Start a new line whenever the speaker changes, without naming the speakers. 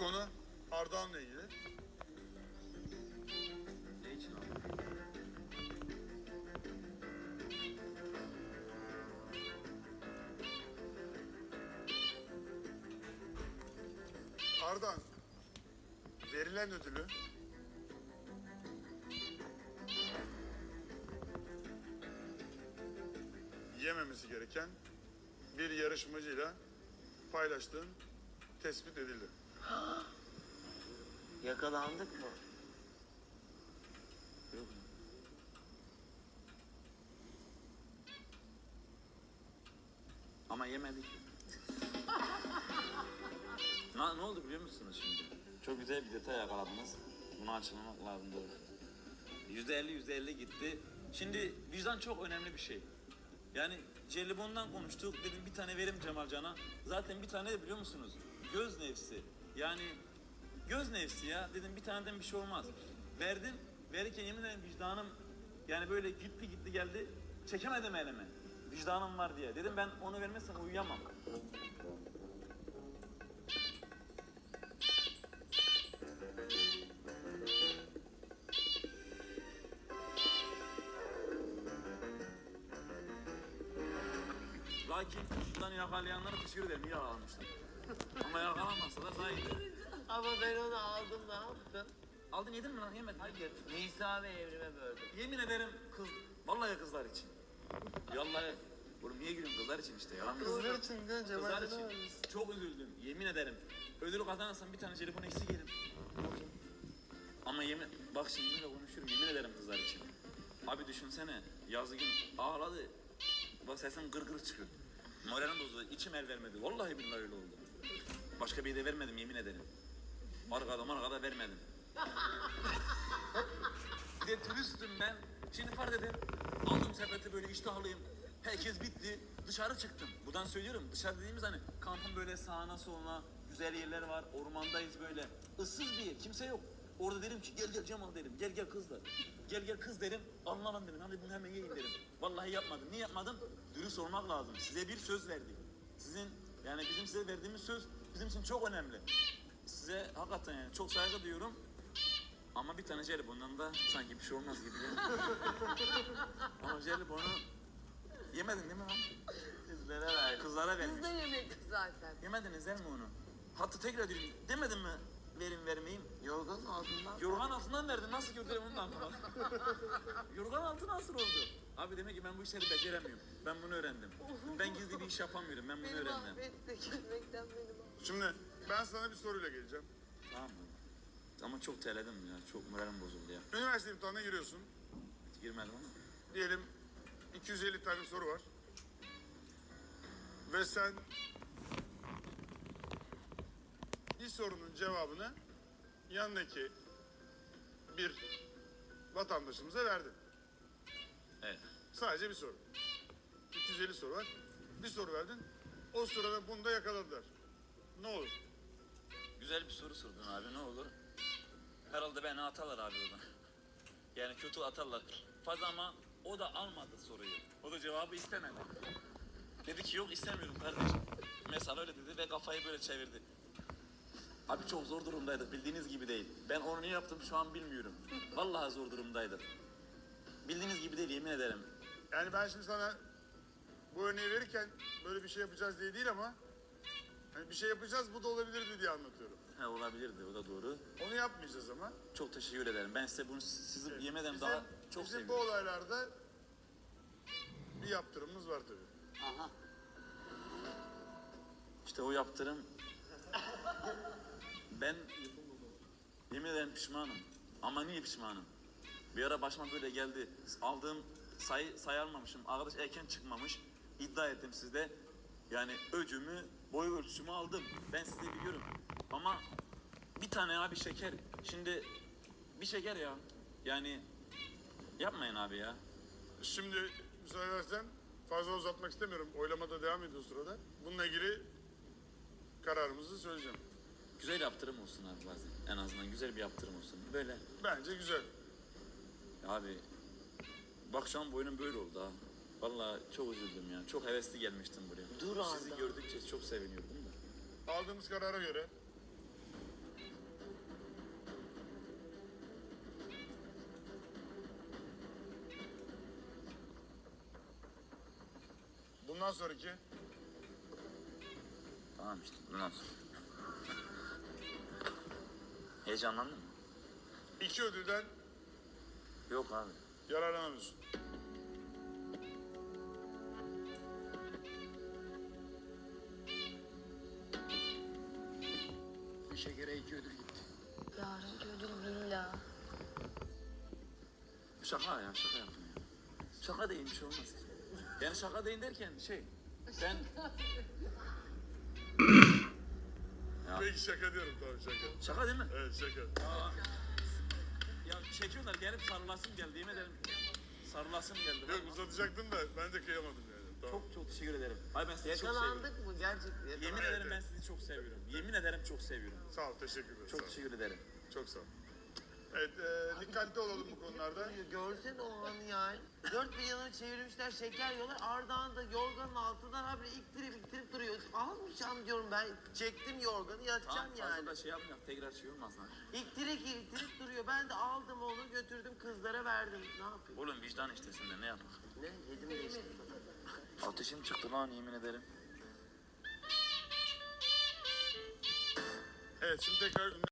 konu Ardahan'la ilgili.
Ne için abi?
Ardahan, verilen ödülü yememesi gereken bir yarışmacıyla paylaştığın tespit edildi.
Yakalandık mı?
Yok. Ama yemedik. Ne oldu biliyor musunuz şimdi? Çok güzel bir detay yakaladınız. Bunu açıklamak lazım doğru. %50 gitti. Şimdi vicdan çok önemli bir şey. Yani jelibondan konuştuk. Dedim bir tane verim Cemalcan'a. Zaten bir tane de biliyor musunuz? Göz nefsi. Yani göz nefsi ya. Dedim bir taneden bir şey olmaz. Verdim. Verirken yemin ederim vicdanım yani böyle gitti geldi. Çekemedim elime. Vicdanım var diye. Dedim ben onu vermezsem uyuyamam. Lakin şuradan yakalayanlara teşekkür ederim. İyi yakalamışlar. Ama yakalanmazsalar daha iyiydi.
Ama ben onu aldım, ne yaptın?
Aldın yedin mi lan? Yemedin.
Hayır, Nisa ve Evrim'e böldüm.
Yemin ederim kız, vallahi kızlar için. Vallahi, oğlum niye gülüyorsun kızlar için işte ya.
Kızlar için de
Kızlar
Cemal'den
için. Çok üzüldüm, yemin ederim. Ödülü kazanırsam bir tane jelibon eksik yerim. Ama yemin, bak şimdi böyle konuşuyorum, yemin ederim kızlar için. Abi düşünsene, yazı gün ağladı. Bak sesim gır çıkıyor. Moralim bozuldu, içim el vermedi. Vallahi billahi öyle oldu. Başka bir de vermedim, yemin ederim. Arkada vermedim. Bir de turistim ben. Şimdi fark edin. Aldım sepeti böyle iştahlıyım. Herkes bitti. Dışarı çıktım. Buradan söylüyorum. Dışarı dediğimiz hani kampın böyle sağına soluna güzel yerler var. Ormandayız böyle. Issız bir yer. Kimse yok. Orada derim ki gel Cemal derim. Gel kızlar. Gel kız derim. Anlamam derim. Hadi bunu hemen yiyin derim. Vallahi yapmadım. Niye yapmadım? Dürüst olmak lazım. Size bir söz verdik. Sizin yani bizim size verdiğimiz söz bizim için çok önemli. Size hakikaten yani çok saygı duyuyorum. Ama bir tane jelibondan da sanki bir şey olmaz gibi. Ama jelibonu yemedin değil mi lan?
Kızlara ver.
Kızlara vermiş.
Kız da yemek zaten.
Yemediniz değil mi onu? Hatta tekrar diyorum, demedin mi vermeyeyim?
Yorganın altından.
Yorgan altından verdin, nasıl gördüm onun altına? Yorgan altı nasıl oldu? Abi demek ki ben bu işleri beceremiyorum. Ben bunu öğrendim. Ben gizli bir iş yapamıyorum, ben bunu
Beni
öğrendim.
mahvetti. Gülmekten beni mahvetti.
Şimdi ben sana bir soruyla geleceğim.
Tamam mı? Ama çok terledim ya, çok moralim bozuldu ya.
Üniversite imtihanına giriyorsun.
Girmedim ama.
Diyelim 250 tane soru var. Ve sen bir sorunun cevabını yanındaki bir vatandaşımıza verdin.
Evet.
Sadece bir soru. 250 soru var. Bir soru verdin. O sırada bunu da yakaladılar. Ne olur?
Güzel bir soru sordun abi, ne olur? Herhalde beni atarlar abi oradan. Yani kötü atarlar. Fazla ama o da almadı soruyu. O da cevabı istemedi. Dedi ki yok istemiyorum kardeşim. Mesela öyle dedi ve kafayı böyle çevirdi. Abi çok zor durumdaydık, bildiğiniz gibi değil. Ben onu niye yaptım şu an bilmiyorum. Vallahi zor durumdaydık. Bildiğiniz gibi değil, yemin ederim.
Yani ben şimdi sana bu örneği verirken böyle bir şey yapacağız diye değil ama hani bir şey yapacağız bu da olabilirdi diye anlatıyorum.
He olabilirdi, o da doğru.
Onu yapmayacağız ama.
Çok teşekkür ederim. Ben size bunu sizi yemeden
Bizim,
daha çok
bizim bu
seviyorum.
olaylarda bir yaptırımımız var tabii.
Aha.
İşte o yaptırım. Ben yemin ederim pişmanım. Ama niye pişmanım? Bir ara başıma böyle geldi. Aldığım sayı almamışım. Arkadaş erken çıkmamış. İddia ettim sizde. Yani öcümü, boy ölçüsümü aldım. Ben size biliyorum. Ama bir tane abi şeker. Şimdi bir şeker ya. Yani yapmayın abi ya.
Şimdi müsaade edersen fazla uzatmak istemiyorum. Oylamada devam ediyor sırada. Bununla ilgili kararımızı söyleyeceğim.
Güzel yaptırım olsun abi bazen. En azından güzel bir yaptırım olsun. Böyle.
Bence güzel.
Abi bak şu an boynum böyle oldu ha. Vallahi çok üzüldüm ya. Çok hevesli gelmiştim buraya.
Dur
Sizi
Arda.
gördükçe çok seviniyordum da.
Aldığımız karara göre Bundan sonraki
Tamam işte bundan sonra. Heyecanlandın mı?
2 ödülden
Yok abi.
yararlanamıyorsun.
Bu şekere 2 ödül gitti.
Yarınki ödül villa.
Şaka ya şaka yaptım ya. Şaka değil bir şey olmaz ki. Yani şaka değil derken ben Ya.
Peki şaka diyorum, tamam şaka.
şaka değil mi?
Evet şaka.
Ya çekiyorlar gelip sarılasım geldi yemin ederim. Sarılasım geldi.
Yok
vallahi.
uzatacaktım da ben de kıyamadım yani. Tamam.
Çok teşekkür ederim. Ay ben sizi çok seviyorum.
Yakalandık mı gerçekten?
Yemin
Evet,
ederim ben
evet.
sizi çok seviyorum. Yemin ederim çok seviyorum.
Sağ ol, teşekkür ederim.
Çok
sağ ol.
teşekkür ederim.
Çok sağ ol. Evet, dikkatli olalım bu konularda.
Görsene o anı yani. Dört bir yanını çevirmişler, şeker yiyorlar. Ardağın da yorganın altından habire iktirip duruyor. Almayacağım diyorum ben. Çektim yorganı, yatacağım
Tamam fazla
yani.
da şey yapmayalım. Tekrar şey olmaz lan.
İktirip duruyor. Ben de aldım onu, götürdüm kızlara verdim. Ne yapayım?
Oğlum vicdan işte sende ne yapalım?
Ne? Yedim geçtim.
Ateşim çıktı lan yemin ederim.
Evet, şimdi tekrar